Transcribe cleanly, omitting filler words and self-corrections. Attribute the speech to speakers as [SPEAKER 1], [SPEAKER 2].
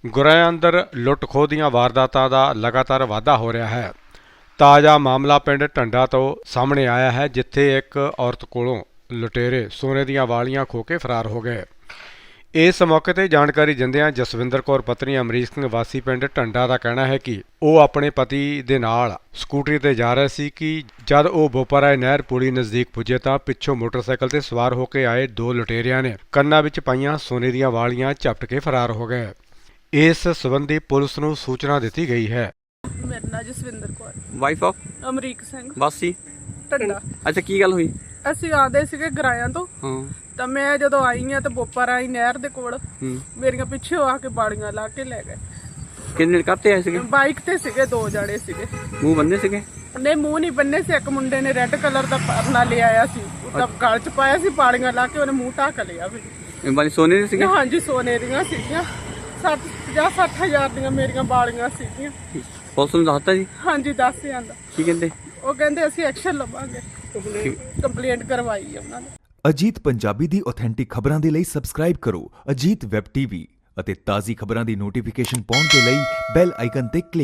[SPEAKER 1] ਗੁਰਿਆਂ ਅੰਦਰ ਲੁੱਟ ਖੋਹ ਦੀਆਂ ਵਾਰਦਾਤਾਂ ਦਾ ਲਗਾਤਾਰ ਵਾਧਾ ਹੋ ਰਿਹਾ ਹੈ। ਤਾਜ਼ਾ ਮਾਮਲਾ ਪਿੰਡ ਢੰਡਾ ਤੋਂ ਸਾਹਮਣੇ ਆਇਆ ਹੈ, ਜਿੱਥੇ ਇੱਕ ਔਰਤ ਕੋਲੋਂ ਲੁਟੇਰੇ ਸੋਨੇ ਦੀਆਂ ਵਾਲੀਆਂ ਖੋਹ ਕੇ ਫਰਾਰ ਹੋ ਗਏ। ਇਸ ਮੌਕੇ ਤੇ ਜਾਣਕਾਰੀ ਦਿੰਦਿਆਂ ਜਸਵਿੰਦਰ ਕੌਰ ਪਤਨੀ ਅਮਰੀਕ ਸਿੰਘ ਵਾਸੀ ਪਿੰਡ ਢੰਡਾ ਦਾ ਕਹਿਣਾ ਹੈ ਕਿ ਉਹ ਆਪਣੇ ਪਤੀ ਦੇ ਨਾਲ ਸਕੂਟਰੀ ਤੇ ਜਾ ਰਹੇ ਸੀ ਕਿ ਜਦ ਉਹ ਬੋਪਰਾਏ ਨਹਿਰ ਪੁਲੀ ਨਜ਼ਦੀਕ ਪੁੱਜੇ ਤਾਂ ਪਿੱਛੋਂ ਮੋਟਰਸਾਈਕਲ ਤੇ ਸਵਾਰ ਹੋ ਕੇ ਆਏ ਦੋ ਲੁਟੇਰਿਆਂ ਨੇ ਕੰਨਾਂ ਵਿੱਚ ਪਾਈਆਂ ਸੋਨੇ ਦੀਆਂ ਵਾਲੀਆਂ ਝਪਟ ਕੇ ਫਰਾਰ ਹੋ ਗਏ। ਇਸ ਸੰਬੰਧੀ ਪੁਲਿਸ ਨੂੰ ਸੂਚਨਾ ਦਿੱਤੀ ਗਈ ਹੈ।
[SPEAKER 2] ਮੇਰਾ ਨਾਂ ਜਸਵਿੰਦਰ ਕੌਰ,
[SPEAKER 3] ਵਾਈਫ ਆਫ
[SPEAKER 2] ਅਮਰੀਕ ਸਿੰਘ,
[SPEAKER 3] ਵਾਸੀ।
[SPEAKER 2] ਢੰਡਾ।
[SPEAKER 3] ਅੱਛਾ, ਕੀ ਗੱਲ ਹੋਈ?
[SPEAKER 2] ਅਸੀਂ ਆਉਂਦੇ ਸੀਗੇ ਗਰਾਇਆਂ ਤੋਂ,
[SPEAKER 3] ਹਾਂ।
[SPEAKER 2] ਤਾਂ ਮੈਂ ਜਦੋਂ ਆਈ ਆ ਤਾਂ ਬੋਪਰਾਈ ਨਹਿਰ ਦੇ ਕੋਲ ਮੇਰੀਆਂ ਪਿੱਛੇ ਆ ਕੇ ਬਾੜੀਆਂ ਲਾ ਕੇ ਲੈ ਗਏ।
[SPEAKER 3] ਕਿੰਨੇ ਕਰਤੇ ਆਏ ਸੀਗੇ?
[SPEAKER 2] ਬਾਈਕ ਤੇ ਸੀਗੇ, ਦੋ ਜਣੇ ਸੀਗੇ।
[SPEAKER 3] ਮੂੰਹ ਬੰਨੇ ਸੀਗੇ?
[SPEAKER 2] ਨਹੀਂ, ਮੂੰਹ ਨਹੀਂ ਬੰਨੇ ਸੀ। ਇੱਕ ਮੁੰਡੇ ਨੇ ਰੈੱਡ ਕਲਰ ਦਾ ਪਰਨਾ ਲੈ ਆਇਆ ਸੀ, ਉਹਦਾ ਗਲ ਚ ਪਾਇਆ ਸੀ, ਬਾੜੀਆਂ ਲਾ ਕੇ ਉਹਨੇ ਮੂੰਹ ਢੱਕ ਲਿਆ ਵੀ।
[SPEAKER 3] ਇਹ ਵਾਲੀ ਸੋਨੇ ਦੇ ਸੀਗੇ?
[SPEAKER 2] ਹਾਂਜੀ, ਸੋਨੇ ਦੀਆਂ ਸੀਗੀਆਂ। 50-60 ਹਜ਼ਾਰ ਦੀਆਂ ਮੇਰੀਆਂ ਬਾਲੀਆਂ ਸੀਗੀਆਂ।
[SPEAKER 3] ਪੁਲਿਸ ਨੂੰ ਦੱਸਤਾ ਜੀ?
[SPEAKER 2] ਹਾਂਜੀ, ਦੱਸ ਜਾਂਦਾ।
[SPEAKER 3] ਕੀ ਕਹਿੰਦੇ?
[SPEAKER 2] ਉਹ ਕਹਿੰਦੇ ਅਸੀਂ ਐਕਸ਼ਨ ਲਵਾਂਗੇ, ਕੰਪਲੇਂਟ ਕਰਵਾਈ ਉਹਨਾਂ ਨੇ।
[SPEAKER 4] ਅਜੀਤ ਪੰਜਾਬੀ ਦੀ ਆਥੈਂਟਿਕ ਖਬਰਾਂ ਦੇ ਲਈ ਸਬਸਕ੍ਰਾਈਬ ਕਰੋ ਅਜੀਤ ਵੈਬ ਟੀਵੀ ਅਤੇ ਤਾਜ਼ੀ ਖਬਰਾਂ ਦੀ ਨੋਟੀਫਿਕੇਸ਼ਨ ਪਾਉਣ ਦੇ ਲਈ ਬੈਲ ਆਈਕਨ ਤੇ ਕਲਿੱਕ